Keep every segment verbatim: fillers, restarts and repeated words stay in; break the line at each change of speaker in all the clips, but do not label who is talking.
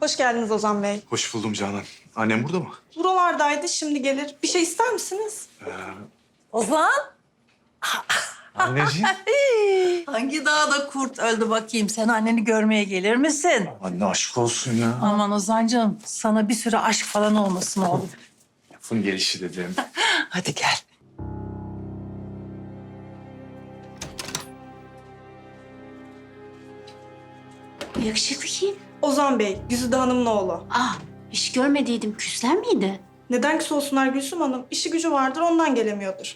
Hoş geldiniz Ozan Bey.
Hoş buldum Canan. Annem burada mı?
Buralardaydı, şimdi gelir. Bir şey ister misiniz?
Ozan,
Anneciğim.
hangi dağda kurt öldü bakayım? Sen anneni görmeye gelir misin?
Anne aşk olsun ya.
Aman Ozan'cığım, sana bir süre aşk falan olmasın oğlum.
Lafın gelişi dedim.
Hadi gel.
Yakışıklı kim?
Ozan Bey, Güzide Hanım'ın oğlu.
Ah, hiç görmediydim. Küsler miydi?
Neden küs olsunlar Gülsüm Hanım? İşi gücü vardır, ondan gelemiyordur.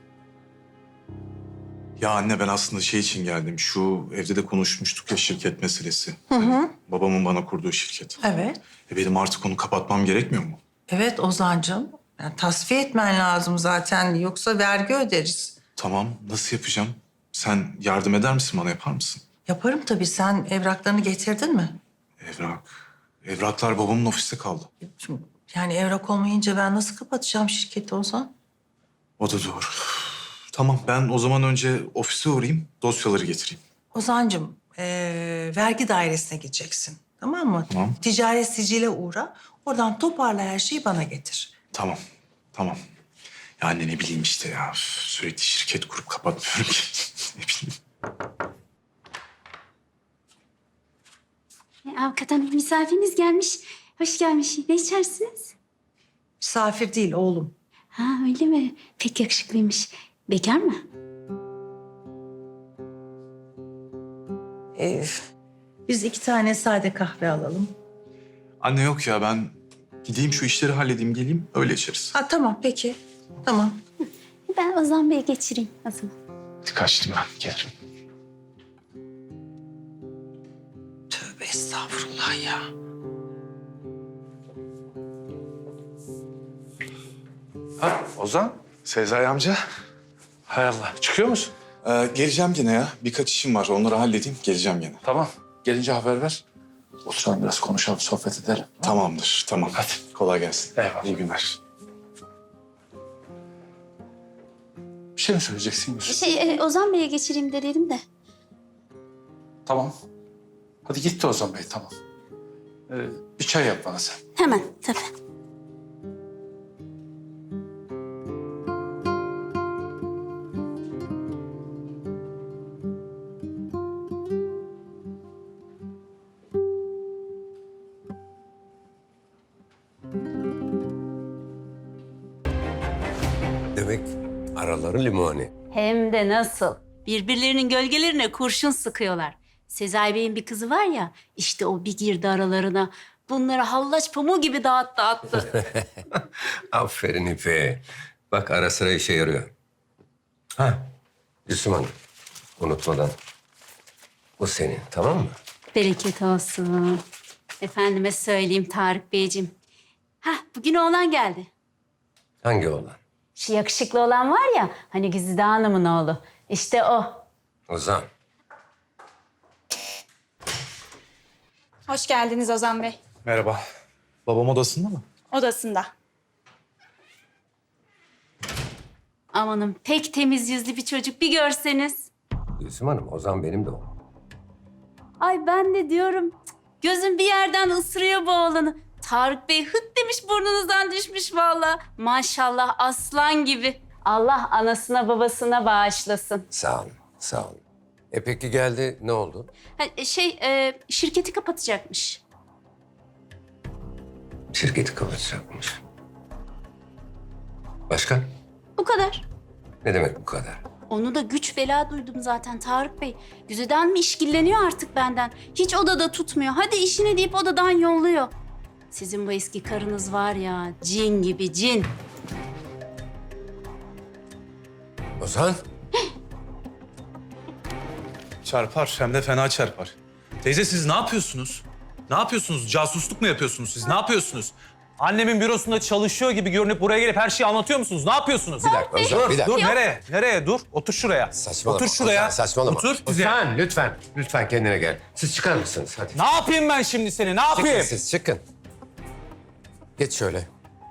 Ya anne ben aslında şey için geldim. Şu evde de konuşmuştuk ya şirket meselesi.
Hı hı.
Babamın bana kurduğu şirket.
Evet.
E benim artık onu kapatmam gerekmiyor mu?
Evet Ozan'cığım. Yani tasfiye etmen lazım zaten. Yoksa vergi öderiz.
Tamam, nasıl yapacağım? Sen yardım eder misin bana, yapar mısın?
Yaparım tabii. Sen evraklarını getirdin mi?
Evrak. Evraklar babamın ofiste kaldı.
Şimdi, yani evrak olmayınca ben nasıl kapatacağım şirketi Ozan?
O da doğru. Tamam, ben o zaman önce ofise uğrayayım, dosyaları getireyim.
Ozan'cığım, eee, vergi dairesine gideceksin. Tamam mı?
Tamam.
Ticaret sicile uğra. Oradan toparla her şeyi bana getir.
Tamam, tamam. Ya anne ne bileyim işte ya. üf, Sürekli şirket kurup kapatmıyorum ki. Ne bileyim.
E, avukat hanım, misafiriniz gelmiş. Hoş gelmiş. Ne içersiniz?
Misafir değil oğlum.
Ha, öyle mi? Pek yakışıklıymış. Bekar mı?
Ee, biz iki tane sade kahve alalım.
Anne yok ya, ben gideyim şu işleri halledeyim, geleyim öyle içeriz.
Ha tamam peki. Tamam.
Ben Ozan Bey'e geçireyim o zaman.
Kaçtım ben, gelirim.
Tövbe estağfurullah ya.
Ha Ozan?
Sezai amca,
Hay Allah. Çıkıyor musun?
ee, geleceğim gene ya. Birkaç işim var, onları halledeyim, geleceğim gene.
Tamam. Gelince haber ver. Oturalım biraz konuşalım, sohbet edelim.
Tamamdır, tamam.
Hadi.
Kolay gelsin.
Eyvallah.
İyi günler.
Bir şey mi söyleyeceksin Yusuf?
Şey, e, Ozan Bey'e geçireyim de dedim de.
Tamam. Hadi git de Ozan Bey, tamam. Ee, bir çay yap bana sen.
Hemen, tabii.
Demek araları limoni.
Hem de nasıl? Birbirlerinin gölgelerine kurşun sıkıyorlar. Sezai Bey'in bir kızı var ya, işte o bir girdi aralarına. Bunları hallaç pamuğu gibi dağıttı attı.
Aferin İpe. Bak ara sıra işe yarıyor. Ha, Yusuf Hanım. Unutmadan. Bu senin, tamam mı?
Bereket olsun. Efendime söyleyeyim Tarık Beyciğim. Hah, bugün oğlan geldi.
Hangi oğlan?
Şu yakışıklı olan var ya, hani Güzide Hanım'ın oğlu. İşte o.
Ozan.
Hoş geldiniz Ozan Bey.
Merhaba. Babam odasında mı?
Odasında.
Amanım, pek temiz yüzlü bir çocuk, bir görseniz.
Yusuf Hanım, Ozan benim de oğlum.
Ay ben de diyorum, cık, gözüm bir yerden ısırıyor bu oğlanı. Tarık Bey hıt demiş, burnunuzdan düşmüş vallahi. Maşallah aslan gibi. Allah anasına babasına bağışlasın.
Sağ olun, sağ olun. E peki geldi, ne oldu?
Ha, şey, e, şirketi kapatacakmış.
Şirketi kapatacakmış. Başka?
Bu kadar.
Ne demek bu kadar?
Onu da güç bela duydum zaten Tarık Bey. Güziden mi işkilleniyor artık benden? Hiç odada tutmuyor. Hadi işine deyip odadan yolluyor. Sizin bu eski karınız var ya, cin gibi cin.
Ozan?
Çarpar, hem de fena çarpar. Teyze siz ne yapıyorsunuz? Ne yapıyorsunuz? Casusluk mu yapıyorsunuz siz? Ne yapıyorsunuz? Annemin bürosunda çalışıyor gibi görünüp buraya gelip her şeyi anlatıyor musunuz? Ne yapıyorsunuz?
Bir dakika Ozan,
Dur,
bir dakika.
dur. Nereye? Nereye? Dur. Otur şuraya.
Saçmalama.
Otur şuraya.
Ozan, saçmalama.
Otur. Güzel.
Ozan lütfen, lütfen kendine gel. Siz çıkar mısınız? Hadi.
Ne yapayım ben şimdi seni? Ne
Çıkın
yapayım?
siz, çıkın. Geç şöyle.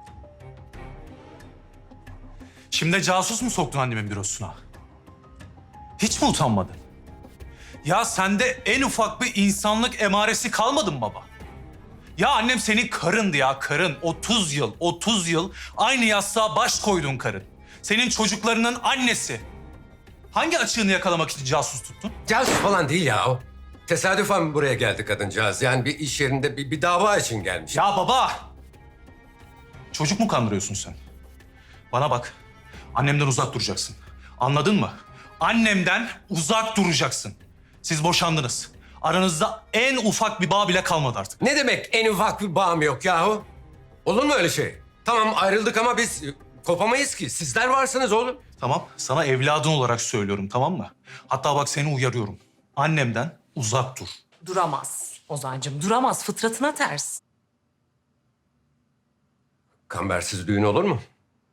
Şimdi de casus mu soktun annemin bürosuna? Hiç mi utanmadın? Ya sende en ufak bir insanlık emaresi kalmadı mı baba? Ya annem senin karındı ya, karın. otuz yıl, otuz yıl aynı yastığa baş koyduğun karın. Senin çocuklarının annesi. Hangi açığını yakalamak için casus tuttun?
Casus falan değil ya o. Tesadüfen buraya geldi kadıncağız. Yani bir iş yerinde bir, bir dava için gelmiş.
Ya baba! Çocuk mu kandırıyorsun sen? Bana bak, annemden uzak duracaksın. Anladın mı? Annemden uzak duracaksın. Siz boşandınız. Aranızda en ufak bir bağ bile kalmadı artık.
Ne demek en ufak bir bağım yok yahu? Olur mu öyle şey? Tamam ayrıldık ama biz e, kopamayız ki. Sizler varsınız oğlum.
Tamam, sana evladın olarak söylüyorum, tamam mı? Hatta bak seni uyarıyorum. Annemden uzak dur.
Duramaz Ozan'cığım, duramaz. Fıtratına ters.
Kambersiz düğün olur mu?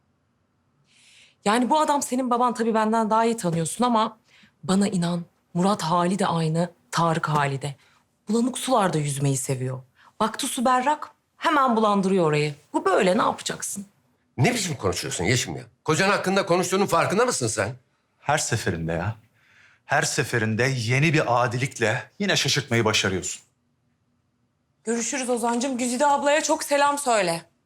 Yani bu adam senin baban, tabii benden daha iyi tanıyorsun ama bana inan, Murat hali de aynı, Tarık hali de. Bulanık sularda yüzmeyi seviyor. Baktı su berrak, hemen bulandırıyor orayı. Bu böyle, ne yapacaksın?
Ne biçim konuşuyorsun Yeşim ya? Kocan hakkında konuştuğunun farkında mısın sen?
Her seferinde ya. Her seferinde yeni bir adilikle yine şaşırtmayı başarıyorsun.
Görüşürüz Ozan'cığım. Güzide ablaya çok selam söyle.